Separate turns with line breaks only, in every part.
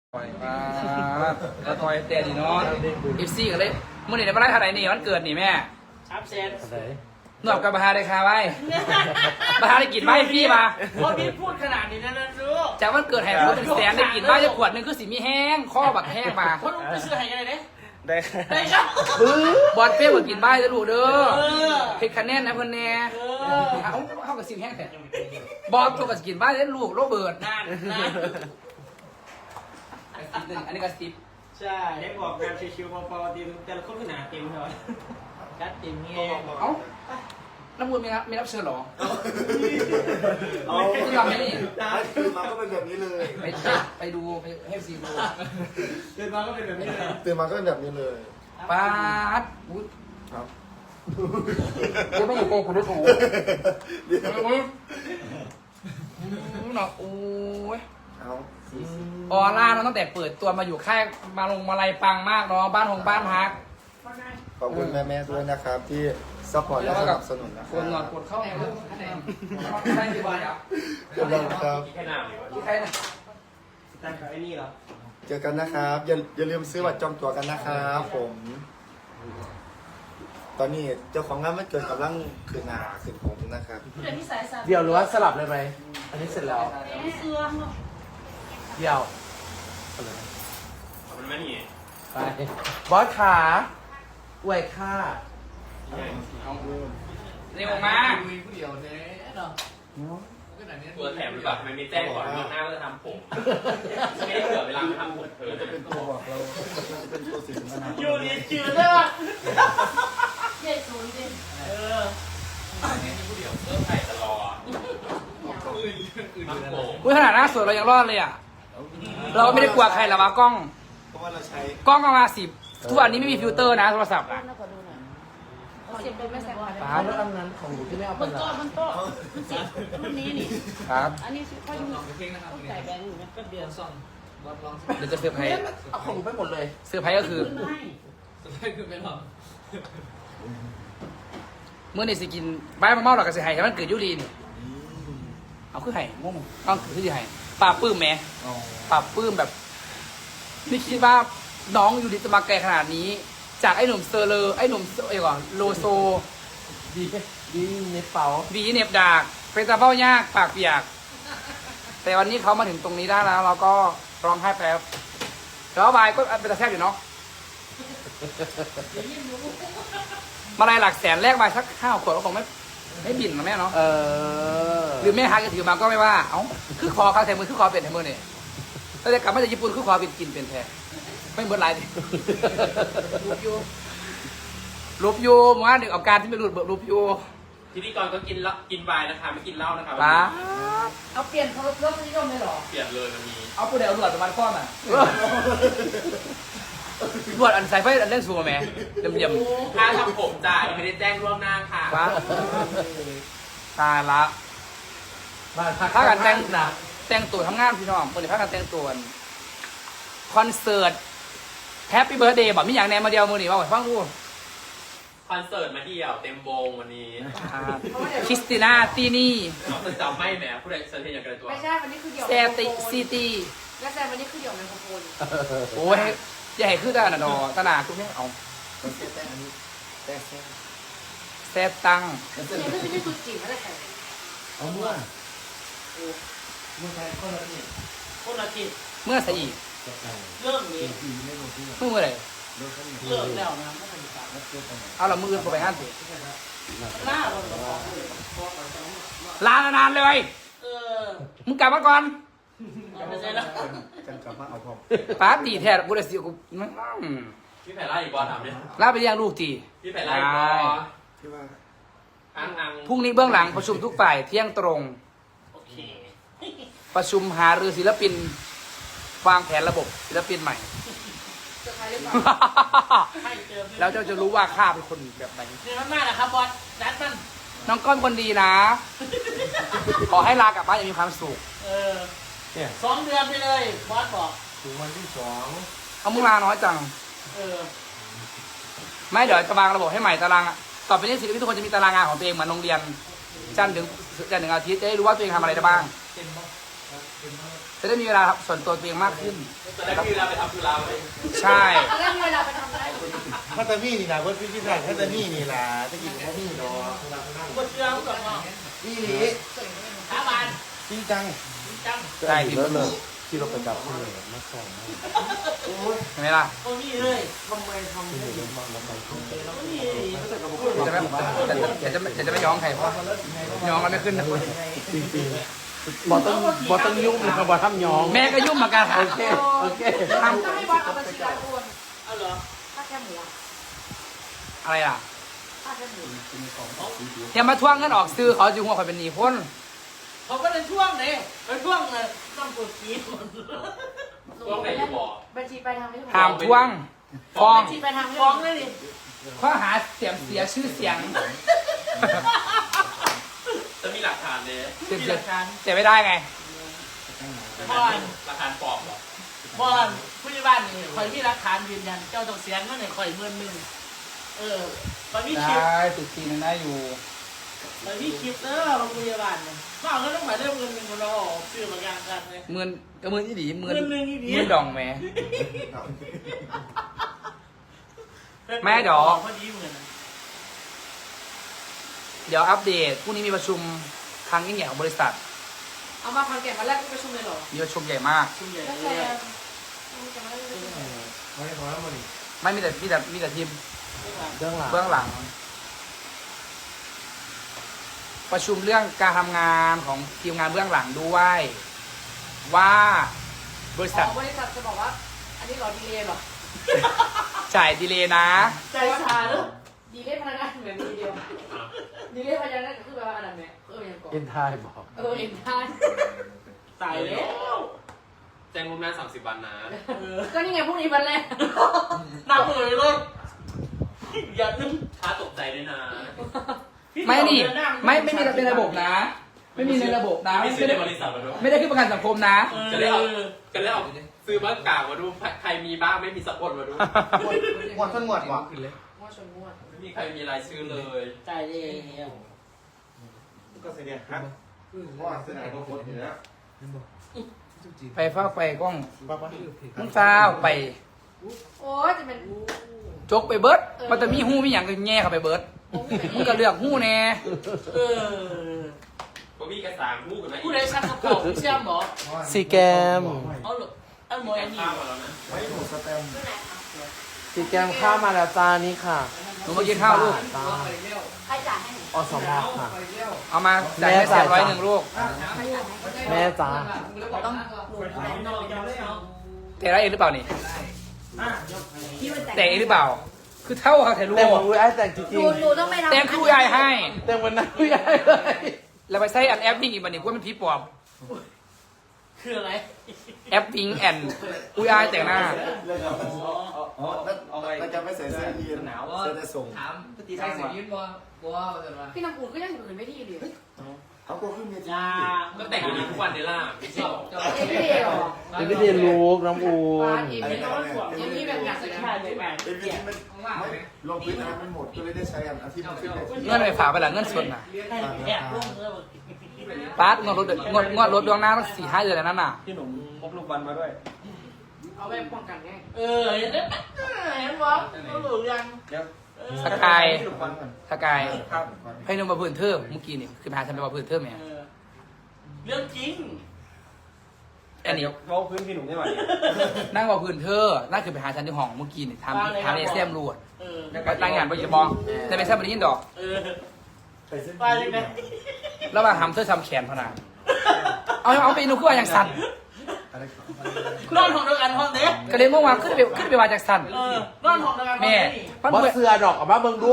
ปล่อยมาแล้วต่อยเตะดีเนาะFCกันเลยมื่อนี่ในบ้านท่าไหนนี่วันเกิดนี่แม่
ครับเซน
หนวดกับบาฮาได้คาไว้บาฮาได้กินไว้พี่มา
พอพี่พูดขนาดนี้นะลูก
จากวันเกิดแห่งพูดเป็นแสนได้กินไว้จะขวดนึงคือสีมีแห้งข้อบักแห้งมา
คนไปซื้อให้กันเลยเนี่ย
ได้
ครับ
บอลเป้บอกกินใบจะดูเด้อเพชรคะแนนนะเพื่อนแน่เข้ากับสิบแห้งแต่บอลตัวกับกินใบได้ลูกโรเบิร์ต
นั่น
อันนี้ก็สิบ
ใช่ได้บอกงานชิวๆพอๆทีมแต่ละคนขนาดเต็มเลยกัดเต็มเงี้ย
เอ้าน้ำมูลไม่รับเชิญหรอที่ทำนี่
ตื่นมาก็เป็นแบบนี้เลย
ไปดูไปให้ซีดู
ตื่นมาก็เป็นแบบนี้เลย
ตื่นมาก็เป็นแบบนี้เลย
ป้าดอุ๊ยครับยังไม่อยู่โกงคุณด้วยถูหนอกโอ้ยออร่าน้องตั้งแต่เปิดตัวมาอยู่ค่ายมาลงมาลัยปังมากเนาะบ้านหงบ้านฮัก
ขอบคุณแม่ๆด้วยนะครับที่ซัพพอร์ตและสนับสนุนนะค
รับหนอดกดเข้าแอร์เลยได้กี่บาทอ่ะ
เจอกันครับ
ใครนะ
ตั้งแต่ไอ้นี่เหรอ
เจอกันนะครับอย่าลืมซื้อบัตรจองตั๋วกันนะครับผมตอนนี้เจ้าของงานมันเกิดกำลังขึ้นหน้าขึ้นผมนะครับ
เดี๋ยวหรือว่าสลับเลยไหมอันนี้เสร็จแล้วเดี๋ยว
มันไม่หนี
ไปบอสขาอวยค่า
เร็วมาก
ตัวแถมหรือเปล่ามันมีแจ้งก่อนล่วงหน้าว่าจะทำผมไม่ได้เผื่อเวลาทำผมเธอจะ
เป็นตัวบอกเราเป็นตัวสินค้า
อยู่ดีจืดเลยว่ะ
ใหญ่สูงจริง
นี่ผู้เดียวเริ่มใส่ตลอด
อุ้ยขนาดหน้าสวยเรายังรอดเลยอ่ะเราไม่ได้กลัวใครหรอกวะกล้อง
เพราะว่าเราใช้
กล้องมา10ทุกวันนี้ไม่มีฟิลเตอร์นะโทรศัพท์อ่ะ
เสียบเป็นไม่แสบ
ป้าแล้วอันนั้นของหนูที่ไม่เอาไป
บนโต๊ะมันเสียบรุ่นนี้นี่
ครับ
อันนี้ค่อยใส่แบงค์อยู่นะก็เดือดซ่อน
เดี๋ยวจะเซอร์ไพรส์
เอาของหนูไปหมดเลย
เซอร์ไพรส์ก็คือเมื่อในสิกินใบมะม่วงหรอกกับสิไห่แต่มันเกิดยุรีนี่เอาคือไห่ม่วงต้องคือสิไห่ปลาปื้มแม่ปลาปื้มแบบไม่คิดว่าน้องยูริจะมาไกลขนาดนี้จากไอ้หนุ่มเซอร์เลอร์ไอ้หนุ่มไอ้ก่อนโลโซ
ดีเน็ตเป๋า
วีเน็บดากเป็นตาเป้ายากปากเปียกแต่วันนี้เขามาถึงตรงนี้ได้แล้วเราก็ร้องไห้แป๊บแล้วบายก็เป็นตาแทบอยู่เนาะมาลายหลักแสนแรกมาสัก5 ขวดก็คงไม่บินนะแม่เนาะหรือแม่ฮักจะถือมาก็ไม่ว่าเอ้าคือคอเขาแทนมือคือคอเป็นแทนมือเนี่ยถ้าจะกลับมาจากญี่ปุ่นคือคอเป็นกินเป็นแทนไม่เหมือนไรดิรูปยูมาหนึ่งอาการที่ไม่รูปยู
ทีนี้ก่อนก็กินไวน์นะคะไม่กินเหล้านะคะ
เอาเปลี่ยนเขาเริ่มนิยมเลยหรอ
เปลี่ยนเลยมันมี
เอาผู้ใดเอาหลวดประมาณก้อนอ่ะหลวดอันใส่ไฟอันเล่นสัวแม่เยี่ยม
ค่าทำผมจ่ายไม่ได้แจ้งล่วงหน้าค่ะ
ตายละถ้ากันแต่งตัวทำงานพี่น้องคนที่พากันแต่งตัวคอนเสิร์ตแฮปปี้เบิร์ดเดย์บอกมีอย่างแนมมาเดียวมือหนีว่าฟังดู
คอนเสิร์ตมาเดียวเต็มวงวันนี้
คริสติน่าตีนี่
น้องจำไม่แหมผู้ใดเซนเทียนอย่างกันตัว
ไม่ใช่วันนี้คือเดี่ยว
แซติซีตี
และแซมวันนี้คือเดี่ยวไมโครโฟน
โอ้ยใหญ่ขึ้นได้นะดอตนาคุณแม่เอาแซตัง
เนี่ยคือไม่ใช่ตัวจริงอะไรกัน
เอาเมื่อใช้คนละจิต
เมื่อใส่อีก
เริ่มนี้
เมื่อไร
เริ่มแล้วนะ
เอาละมือไปห้ามสิ
ลา
ลานานเลยมึงกลับมาก่อน
กันกลับมาเอาพอ
ป้าตีแท้กูเลยสิกู
พี่แผ่ไล่อีกบอลถามดิ
ลาไปเลี้ยงลูกตี
พี่แผ่ไล่อีกบอล
ที่ว่า
พรุ่งนี้เบื้องหลังประชุมทุกฝ่ายเที่ยงตรงประชุมหารือศิลปินวางแผนระบบศิลปินใหม่แล้วเจ้าจะรู้ว่าข้าเป็นคนแบบไหน
เดือนมากนะครับบอสนัดมัน
น้องก้อนคนดีนะขอให้ลากลับบ้านอย่างมีความสุข
2 เดือนไปเลยบอสบอก
ถึงวันที่2
เอามึงลาน้อยจังไม่เดี๋ยวจะวางระบบให้ใหม่ตารางต่อไปนี้ศิลปินทุกคนจะมีตารางงานของตัวเองเหมือนโรงเรียนจันทร์ถึงอาทิตย์จะได้รู้ว่าตัวเองทำอะไรได้บ้างจะได้มีเวลาส่วนตัวตัวเองมากขึ้น
จะได้มีเวลาไปทำธุระไว้
ใช่
แล้วมีเวลาไปทำอะไร
พัตตานีนี่นะเพื่อนพี่ที่ไหนพัตตานีนี่ล่ะตะกี้พัตตานีเนาะ
ก็เชื่อมกับน้อง
นี่หลี
สาบาน
จริงจัง
จัง
ใช่พี่
เลิศเลยที่เราไปจับที่เลยมาสอน
เห็นไหมล่ะ
โอ้นี่เลยทำไมทำนี่
จะไม่ย้องใครเพราะย้องกันไม่ขึ้นนะ
จริงๆบอต้องยุ่งนะครับบอทำยอง
แม่ก็ยุ่งเหมือนกันค่ะ
โอเคโอเค
ท
ก็ให้บอสเอาบัญชีรายโอนเอาเหรอค่าแค่หมู
ำอะไรอ่ะ
ค่าแค่หมู
อย่ามาทวงเงินออกซื้อเขาจึงหัวคอยเป็นหนี้คน
เขาก็เลยช่วงเลยไปช่วงเลยต้องกดกีด
ช่วงไหนอยู่บ่
บัญชีไปทางไม่ถูก
ห้ามทวงฟ้อง
บัญชีไปทางฟ้องเลยดิ
ข้อหาเสียชื่อเสียง
จะมีหลักฐานเลย
เสียไม่ได้ไง
บอล
หลักฐานปลอมเหรอบ
อลผู้ใหญ่บ้านนี่คอยมีหลักฐานยืนยันเจ้าต้องเสียเงินให้คอย11,000ตอนนี้คลิป
ได้ติดทีนึงได้อยู่
ตอนนี้คลิปเด้อโรงพยาบาลเนี่ยมาเอาเงินต้องหมายเรื่องเงิน1,000เราออกซื้อมาอย่างกันเลย
หมื่นก็หมื่นอีดีหมื่น
หมื่นหนึ่งอีหลี
หมื่นดองแหม่ แม่เดี๋ยว
พอดีเหมือน
เดี๋ยวอัปเดตพรุ่งนี้มีประชุมครั้งยิ่งใหญ่ของบริษัท
เอามาคอนแก่นมาแรกก็ประชุมเลยเหรอ
มีประชุมใหญ่มาก
ประชุมใหญ่
แล้ว
เล
แต่
ย
ไม่พอแล้วมัน
ไม่มีแต่ทีม
เรื่องหลัง
เบื้องหลัง ประชุมเรื่องการทำงานของทีมงานเบื้องหลังด้วยว่าบริษัท
บริษัทจะบอกว่า อันนี้เหรอดีเลยเหรอ
จ่ายดีเลย์นะ
ใจชาเนอะดีเลยพนักงานเหมือนดีเดียวดีเลยพนักงานก็คือแบบว่าอะไรเนี่ยยังก่อน
เอ็นทายบอก
เอ็นทานตายแล้ว
แจ้งล่วงหน้า30 วันนะ
ก็นี่ไงพรุ่งนี้วันแรกหนักเลยอย่านึก
ถ้าตกใจด้วยนะ
ไม่นี่ไม่มีในระบบนะ ไม่มีในระบบนะ
ไม่ซื้อในบริษัทมาด้วย
ไม่ได้ขึ้นประกันสังคมนะ
จะได้เอาซื้อมากากมาดูใครมีบ้างไม่มีสักคนมาดู
หมดทั้งหมดวะ
งวดชนงวด
ไม่มีใครมีรายชื่อเลย
จ่ายเลย
ก็เสียเนี่ยครับว่าเสนอก็โคตรอยู่แล้ว
ไปฟ้าไปกล้อง
ป้าป้า
มึงฟ้าวไป
โอ้ยจะเป็น
จกไปเบิร์ดมันจะมีหู้มีอย่างก็แง่เข้าไปเบิร์ดมึงก็เลือกหู้แน่
บ่มีกระสางคู่กันไหม
ผู้ใดชักกระเป๋าเชื่อมหรอ
สีแกม
เอาหรอเอาหมออันนี้
ข้าวมาแล้วนะ
ไว้หมูสแตมป์
สีแกมข้าวมาแล้วจ้านี่ค่ะ
หนูมากินข้าวลูก
จ้า
ใครจ่ายให้หนู
อสมค่ะ
เอามาจ่ายให้เสีย101ลูก
แม่จ้า
ต้องหนูจ่ายให้หนู
แต่ได้เองหรือเปล่านี่
พี่มัน
แต่เองหรือเปล่า คือเท่าเขาถ่ายรูป
แต่งวันอุ้ยไอ้แต่งจ
ห
ริ
นู
ง
หนูต้องไปทำ
แต่งคู่ยายให้
ๆแต่งวันนั้นอุ้ยไอ้เลย
แล้วไปใช้อันแอปวิ่งอีกบันนี้ว่ามันผีปอบ
คืออะไร
แอปวิ่งแอนอุ้ยอายแต่งหน้า
อ๋อแล้วจะไม่ใส่เสื้อยีนเสื้อจะส่ง
ตีใส่สียืนบ่บ่แต่ว่า
พี่น้ำอุ่นก็ยังอยู่อื่นไม่ที่ดี
เขาก็ขึ้นเวที
จ้า
ก็แต่งอยู่ดีทุกวันเดล่าไม่ใช่หรอ
ไม่ดีหรอ
เดี๋ยวไปเรียนรู้น้ำอูน
ยังมีแบบอยากจะขายเลยแบบ
เป็นเวทีมันไม่ลงพื้นน้ำมันหมดก็เลยได้ใช้อันอาทิตย์มันขึ้นเวที
เงินไปฝากไปหลังเงินสดน่ะ
แอบลงเลย
ปาร์ตงวดรถดวงหน้าตั้ง4-5 เดือนแล้วนั่นน่ะ
พี่หนุ่มพกลูกบอลมาด้วย
เอาไปป้องกันไงเห็นไหมเห็นบ่รู้หรือยัง
สกายสกายให้นุ่มมาพื้นเทิมเมื่อกี้นี่คือพาฉันไปมาพื้นเทิมเนี่ย
เรื่องจริง
อันนี้
เขาพื้นพี่หนุ่มได้ไหม
นั่งมาพื้นเธอนั่นคือไปหาฉันที่ห้องเมื่อกี้นี่ทำในเซียมรูด
เออ
รายงานไปจะมองแต่ไม่ใช่บริยินดอก
ไปยังไง
แล้วมาทำเธอทำแขนพนาเอาไปนูขึ้นมาอย่างสั่น
นอนของเดียวกันห้องเด็ก
ก็เลยงงว่าขึ้นไปว่าจากสั่น
นอนของเดียวกัน
แม่มัน
บอ
เหมือน
เสือดอกออกมาเบิ่งดู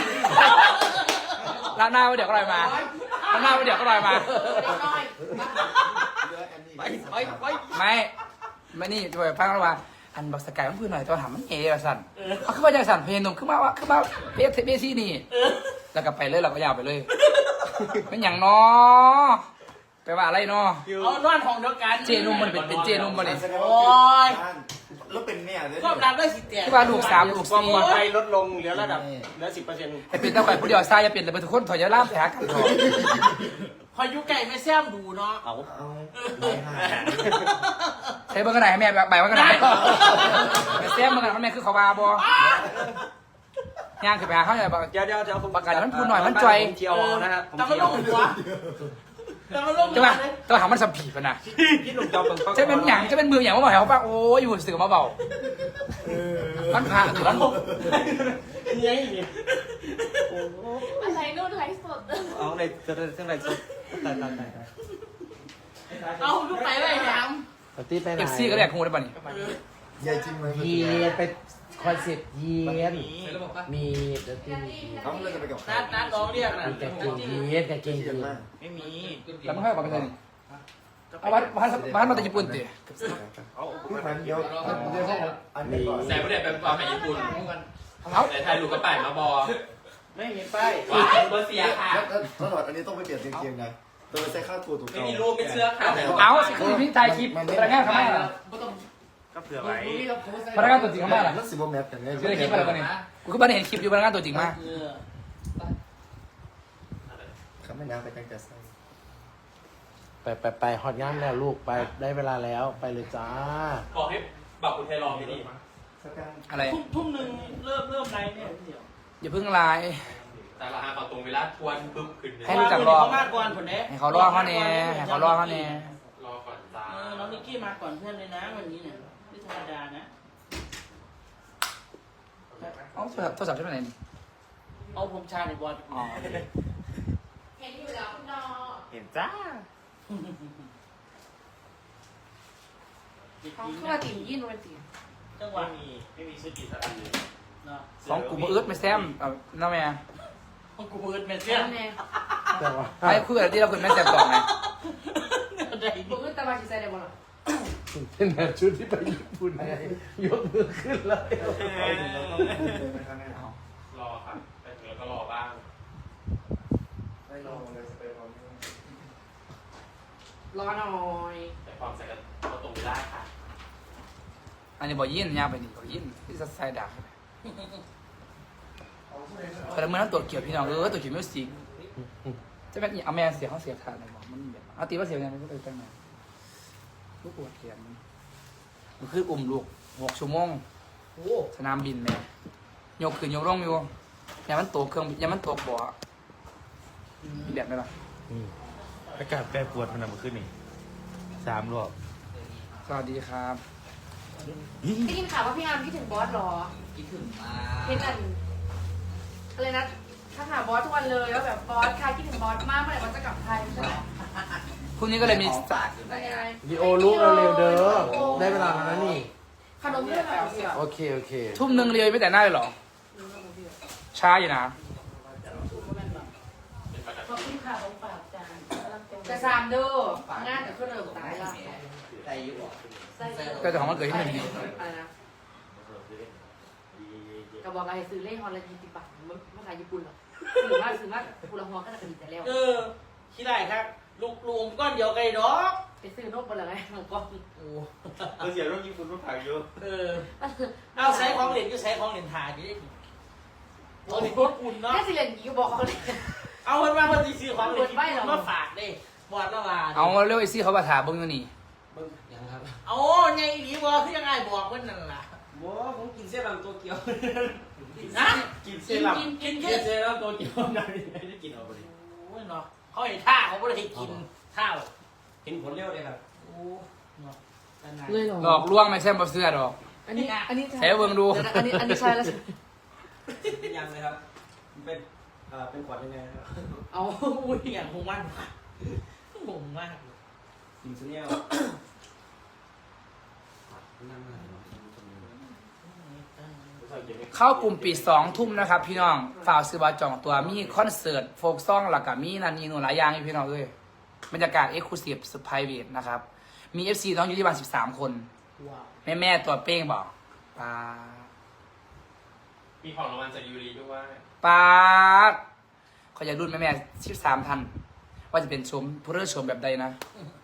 ล้างหน้าไว้เดี๋ยวก็ลอยมาล้างหน้าไว้เดี๋ยวก็ลอยมาไม่นี่จะไปฟังแล้วว่าอันบอกสกายมันพื้นหน่อยตัวถามมันเอ๋สั่นเอาขึ้นมาจากสั่นเพลนมขึ้นมาเบซี่นี่แล้วก็ไปเลยเราก็ยาวไปเลยเป็นอย่างน้อไปว่าอะไรน้อ
เอานอนของเดียวกัน
เจนุ่มมันเป็นเจนุ่มมันเลย
โอ้ย
แล้วเป็นเนี่ยเลย
ควบดังได้สิเตีย
ที่ว่าลูก3ลูก
ความปลอดภัย
4
ลดลงเหลือระดับเหลือ 10%
แต่เป็นตะไคร่ผู้เดียวทรายจะเป็นแต่เป็นทุกคนถอยจะล่ามแผลกันถอด
คอยยุไก่ไม่แซมดูเนาะ
เอา
เอาไม่หาย
ใช้เบอร์กันไหนแม่ใบว่ากันไหนแม่แซมเบอร์กันแม่คือเขาบาบย่างขึ้นไปหาเขาเลยบอก
เดี๋ยวผม
ประกาศมันพูดหน่อยมันจ่อย
ผมเที่ยวนะฮะผม
แต่มัน
เที่
ล
ยว
งหัวแต่มันลงหั
ใช่
ว
ป่ะ
เลย
ตัวหามันสัมผีป่ะนะ
พี่หนุ่มจอมเบิ่ง
จะเป็นหยังจะเป็นมือหยังมาบอกเขาป่ะโอ้ยอยู่สื่อมาเบามันผ่าหรือมัน
เนี่ยเนี่ย
อะไรนู่นไลฟ์สด
เอาในเรื่องอะไรสุดตาย
เอายุไก่ไปแหม
ปาร์ตี้ไปไหน
เอฟซีก็แดกคงได้ป่ะนี่
ยายจริงไหม
เยียนไปคอนเซ็ปต์เยียนมีดนตรี
เขาเลยจะไปกับใคร
นัดร้องเรียกนะ
มีกางเกงยีนกางเกง
เย
ยี
อะ
น
มาก
ไม่มี
แล้วมันค่อยบอกกันเลยเอาบ้านมาจากญี่ปุ่นติ
พี่พันเดี๋ยวเขาอันนี้ก่อน
แซ่บเนี่ยเป็นความในญี่ปุ่น
เอา
แต่ไทยลูกกระป่ายมาบอ
ไม่มีป้าย
ว้ายเบอร์เสียค่ะ
แล้วตลอดอันนี้ต้องไปเปลี่ยนเกงๆนะตัวไปใส่ข้าวตัวถูก
ไม่มีรูปไม่เสื้อค่ะ
เอาสิคือพี่ถ่ายคลิปพนักงานเขามาล่ะ
ก็เผื่อไว้
พนักงานตัวจริงเขามาล่ะ
มันสิบโมแมทกันไง
คือในคลิปอะไรกันนี่กูก็ไม่ได้เห็นคลิปอยู่พนักงานตัวจริงมา
เขาไม่น้ำไปตั้งแต่ใส่
ไปฮอตงานแล้วลูกไปได้เวลาแล้วไปเลยจ้า
บอกให้บอกคุณไทยลองไปดิ
อะไร
ทุ่มหนึ่งเริ่มไลฟ์เนี่ยเดี๋ยว
อย่าเพิ่งไลน์
แต่ละหาขอตรงเวลาทวนปึ๊บขึ้นเลย
ให้รู้จักรอ
เขามาก่อนผลเนี้ย
ให้เขารอเขาเนี่ยให้เขารอเขาเนี่ย
รอก่อนจ้า
น้องนิกกี้มาก่อนเพื่อนเลยนะวันนี้เนี่ยไม่ธรรมดานะ
เอาโทรศัพท์ใช่ไหมนี่
เอาผมชาในบอล
อ๋อ
เห็นอยู่แล้วคุณนอ
เห็นจ้า
เขาเข้ามาติ่มยื่นวันติ่ม
จังหวะ
ไม่มีสกิลสักอันเลย
เนาะ
ของกูมาอึดไม่แซมเอาน้าแม่
ของกูเบิร์ดแมนเซีย
แล้
น
วแน่
แต่ว่า
ไปคุยกับที่เราคุยแม่แซมต่อไง
ได้
บุกขึ้นตะวันชิใส่ได้บ่ล่ะ
เป็นแบบชุดที่ไปญี่ปุ่นไงยกมือขึ้นเลย
รอค่ะไปถึงแล้วก็รอบ้าง
ไม่รอเลยสเปรย์พร้อม
รอหน่อย
แต่ความใส่กันก็ตรงเวลาค่ะ
อันนี้บอกยินยาวไปนี่บอกยินที่จะใส่ดักคนละเมื่อนั้นตัวเกี่ยวพี่น้องตัวเกี่ยวมิวสิกจะเป็นเอาแม่เสียเขาเสียขาดเลยบอกมันแบบเอาตีว่าเสียยังไงไม่รู้ตั้งไงลูกปวดเขียนมันคืออุ้มลูก6 ชั่วโมงสนามบินแม่ยกขึ้นยกลงอยู่อย่ามันตกเครื่องอย่ามันตกบ่อมีแบบไหมล่ะ
อากาศแปรปรวนมันมาขึ้นนี่3 รอบ
สวัสดีครับ
ได้ยินข่าวว่าพี่อาร์มคิดถึงบอสเหรอคิดถึงมากเห็นอะไรนะถ้าหาบอสทุกวันเลยแล้วแบบบอสใครคิดถึงบอสมากเมื่อไหร่บอสจะกลับไทยใช่ไหม
พรุ่งนี้ก็เลยมี
เป็นยังไง
วิดีโอลูกเร็วๆเด้อได้เวลาแล้วนะนี่
ขนมเพื่อนหน่อยเสีย
โอเคโอเค
ทุ่มหนึ่งเรียวไม่แต่งหน้าเลยเหรอช้าอยู่นะ
ขอบคุณค่ะของฝากจาน
กระซามเด้องานแต่ก็เริ่มตายละใส่อยู่
ก็จะของมันเกิดที่หนึ่งดี
อะไรนะกระบอกอะไรซื้อเล่ฮอนละ20 บาทไม่ขายญี่ปุ่นหรอกซื้อมากุละฮอก็น่าจะดีแต่แล้ว
คิดได้ครับลูกลุงก้อนเดียวไกลดอก
ไปซื้อนกบนอะไรของก้อน
เราเสียร่วมญี่ปุ่นร่วมถ่ายเยอะ
เอาใช้ของเหรียญก็ใช้ของเหรียญถ่ายอยู่ได้ของเหรียญพวกคุณเนาะ
แค่สิเรียนกี่ก็บอกเขาเลย
เอาคนมาคนที่ซื้อของเหรียญมาฝากดิบอดละวา
เอาเร็วไอซี่เขามาถามเบิ้งอยู่นี่
เอาไงดีบอคือยังไงบอกเพื่อนนั่นล่ะ
ว้าผมกินเส้นลำตัวเกียว
นะ
กินเส้นลำ
กิน
เส้นลำตัวเกียวได้ได้กินเอาไปดิ
โอ้ยเนาะเขาเห็นท่าเขาไม่ได้กินข้าว
เห็นผลเร็วเลยครับ
โอ้เนาะ
เลยเหรอ
หลอกลวงไม่ใช่บอเสื้อหรอก
อันนี้
ใช้เบิ้งดู
อันนี้ใช่แล้ว
ยังเลยครับเป็นเป็นขวัญยังไงครับ
เอาอุ้ยอย่างหงมันหงมาก
กินเส้นเนี้ย
เข้ากลุ่มปิด2 ทุ่มนะครับพี่น้องฝ่ากซื้อบัตรจองตัวมีคอนเสิร์ตโฟกซองหลักกับมีนันนีหนูหลายอย่างอยู่พี่น้องเลยบรรยากาศเอ็กซ์คลูซีฟสุดไพรเวทนะครับมี FC น้องอยู่ที่บ้าน13 คน
ว้าว
แม่ตัวเป้งบอกปา
มีของรางวัลจากยูรีด้วย
ปาดเขาอยากรุ่นแม่13 ท่านว่าจะเป็นชมผู้เริ่มชมแบบใดนะ
อืม